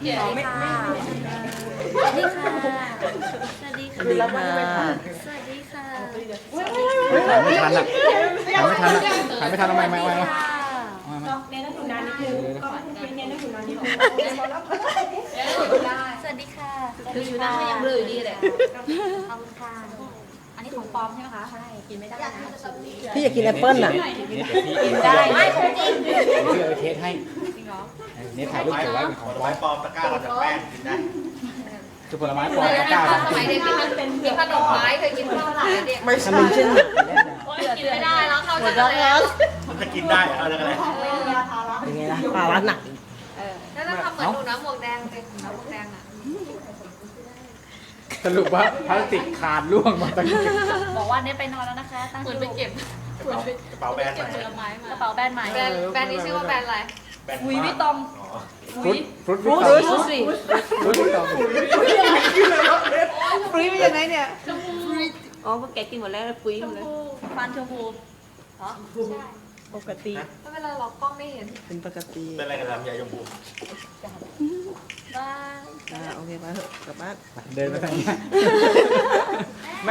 สวัสดีค่ะสวัสดีค่ะสวัสดีค่ะคือรับไม่ทันสวัสดีค่ะถ่ายไม่ทันอ่ะถ่ายไม่ทันอ่ะถ่ายไม่ทันทำไมไม่สวัสดีค่ะเน้นอยู่นานนิดนึงก็คุณเน้นอยู่นานนิดนึงสวัสดีค่ะคืออยู่นานก็ยังเบลออยู่ดีเลยขอบคุณค่ะอันนี้ของปลอมใช่ไหมคะใช่กินไม่ได้นะพี่อยากกินแอปเปิ้ลน่ะกินได้ไม่ของจริงพี่เอาเทสให้เนี่ยถ่ายรูปเก็บไว้เป็นของผลไม้ปลอมตะกร้าเราจากแป้งกินได้คือผลไม้ปลอมตะกร้าสมัยเด็กกินขนมไม้เคยกินข้าวหลามเด็กไม่ใช่มันเช่นกินไม่ได้แล้วเข้าใจแล้วมันจะกินได้เหรอเอาอะไรเป็นไงล่ะปลาร้าหนักแล้วเราทำเหมือนหนูน้ำหมวกแดงเป็นน้ำหมวกแดงอ่ะสรุปว่าพลาสติกขาดร่วงมาตั้งบอกว่าเนี่ยไปนอนแล้วนะคะตั้งเหมือนไปเก็บกระเป๋าแบรนด์เก็บใหผม่ลไม้มากระเป๋าแบรนด์ใหม่แบรนด์นี้ชื่อว่าแบรนด์อะไรแบรนด์หุยพี่ตองอ๋อฟรุตรู้ฟรุตสิฟรุตต่อฟรีเป็นยังไงเนี่ยอ๋อพวกแกกินหมดแล้วปุ้ยหมดแล้วฟันชมพูปกติแล้วเวลาเรากล้องไม่เห็นเป็นปกติเป็นอะไรกันลำไยชมพูบ้าโอเคไปเถอะกลับบ้านเดินไปทางนี้